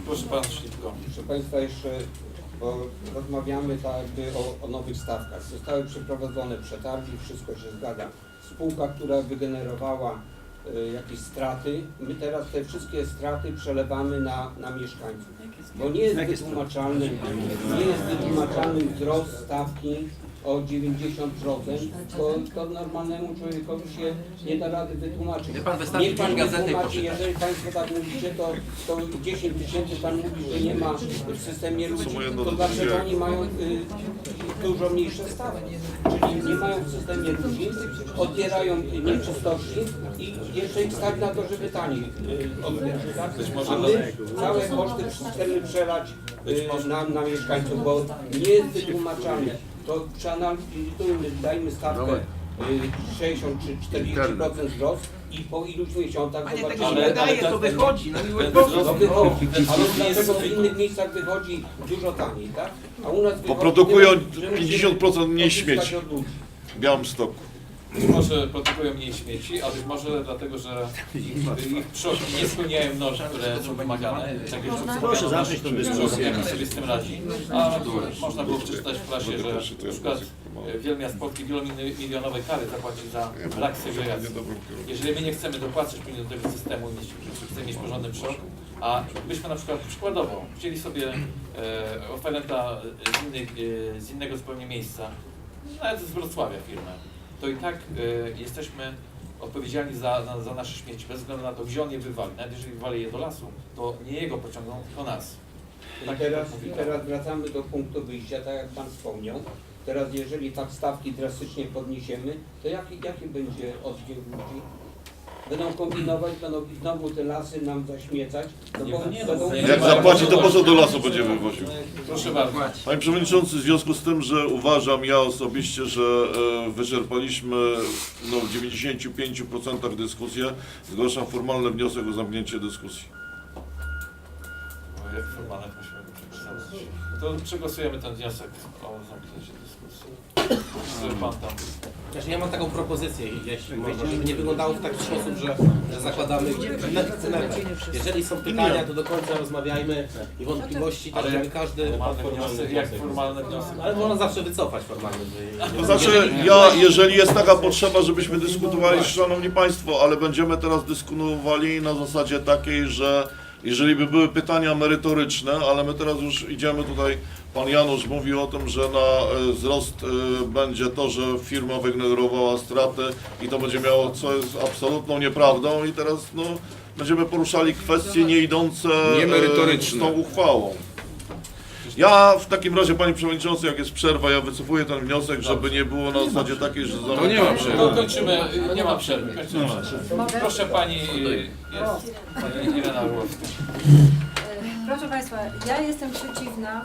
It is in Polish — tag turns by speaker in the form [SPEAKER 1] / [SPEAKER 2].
[SPEAKER 1] Proszę Pan szybko.
[SPEAKER 2] Proszę Państwa, jeszcze bo rozmawiamy tak jakby o nowych stawkach. Zostały przeprowadzone przetargi, wszystko się zgadza. Spółka, która wygenerowała jakieś straty, my teraz te wszystkie straty przelewamy na mieszkańców. Bo nie jest wytłumaczalny wzrost stawki o 90%, to normalnemu człowiekowi się nie da rady wytłumaczyć. Niech Pan wytłumaczy, jeżeli Państwo tak mówicie, to 10 tysięcy Pan mówi, że nie ma w systemie ludzi, to dlaczego oni mają dużo mniejsze stawki? Czyli nie mają w systemie ludzi, odbierają nieczystości i jeszcze ich stać na to, żeby taniej odbierać. Tak? A my całe koszty chcemy przelać na mieszkańców, bo nie jest wytłumaczalne. To przeanalizujmy, dajmy stawkę 60 czy 40% wzrost i po iluś miesiącach zobaczymy.
[SPEAKER 3] Ale to wychodzi, no miły
[SPEAKER 2] To wychodzi, ale dlaczego w innych miejscach wychodzi dużo taniej, tak? A u nas wychodzi,
[SPEAKER 4] Bo produkują
[SPEAKER 2] że musimy
[SPEAKER 4] 50% mniej
[SPEAKER 2] odzyskać
[SPEAKER 4] śmieci
[SPEAKER 2] od ludzi.
[SPEAKER 4] w Białymstoku.
[SPEAKER 1] Być może produkują mniej śmieci, a być może dlatego, że ich przodki nie spełniają norm, które są wymagane. Tak jak
[SPEAKER 3] Proszę zacząć tę dyskusję.
[SPEAKER 1] Jak sobie z tym radzi. A można było przeczytać w prasie, że na przykład wiele miast Polski wielomilionowe kary zapłaci za brak segregacji. Jeżeli my nie chcemy dopłacać do tego systemu, chcemy mieć porządny przod, a byśmy na przykład przykładowo wzięli sobie oferenta z innego zupełnie miejsca, nawet z Wrocławia firmę, to i tak jesteśmy odpowiedzialni za nasze śmieci, bez względu na to, gdzie on je wywali. Nawet jeżeli wywali je do lasu, to nie jego pociągną, tylko nas.
[SPEAKER 2] I teraz wracamy do punktu wyjścia, tak jak Pan wspomniał. Teraz jeżeli tak stawki drastycznie podniesiemy, to jaki będzie oddźwięk ludzi? Będą kombinować, będą znowu te lasy nam zaśmiecać.
[SPEAKER 4] Jak zapłaci, to po co do lasu będzie wywoził?
[SPEAKER 1] Proszę bardzo.
[SPEAKER 4] Panie Przewodniczący, w związku z tym, że uważam ja osobiście, że wyczerpaliśmy w 95% dyskusję, zgłaszam formalny wniosek o zamknięcie dyskusji.
[SPEAKER 1] Jak formalne musimy go przegłosować. To przegłosujemy ten wniosek o zamknięcie dyskusji. Pan tam.
[SPEAKER 3] Znaczy, ja mam taką propozycję, jeśli można, żeby nie wyglądało w taki sposób, że zakładamy chcemy. Jeżeli są pytania, to do końca rozmawiajmy i wątpliwości, tak żeby każdy...
[SPEAKER 1] Jak formalny wniosek?
[SPEAKER 3] Ale można zawsze wycofać formalny.
[SPEAKER 4] To znaczy, jeżeli jest taka potrzeba, żebyśmy dyskutowali, Szanowni Państwo, ale będziemy teraz dyskutowali na zasadzie takiej, że jeżeli by były pytania merytoryczne, ale my teraz już idziemy tutaj, Pan Janusz mówił o tym, że na wzrost będzie to, że firma wygenerowała straty i to będzie miało, co jest absolutną nieprawdą i teraz będziemy poruszali kwestie nie idące z tą uchwałą. Ja w takim razie, Panie Przewodniczący, jak jest przerwa, ja wycofuję ten wniosek, żeby nie było na zasadzie takiej, że
[SPEAKER 1] To nie ma przerwy. No kończymy, nie ma przerwy. Kończymy. Proszę Pani, jest Pani Irena Orłowska.
[SPEAKER 5] Proszę Państwa, ja jestem przeciwna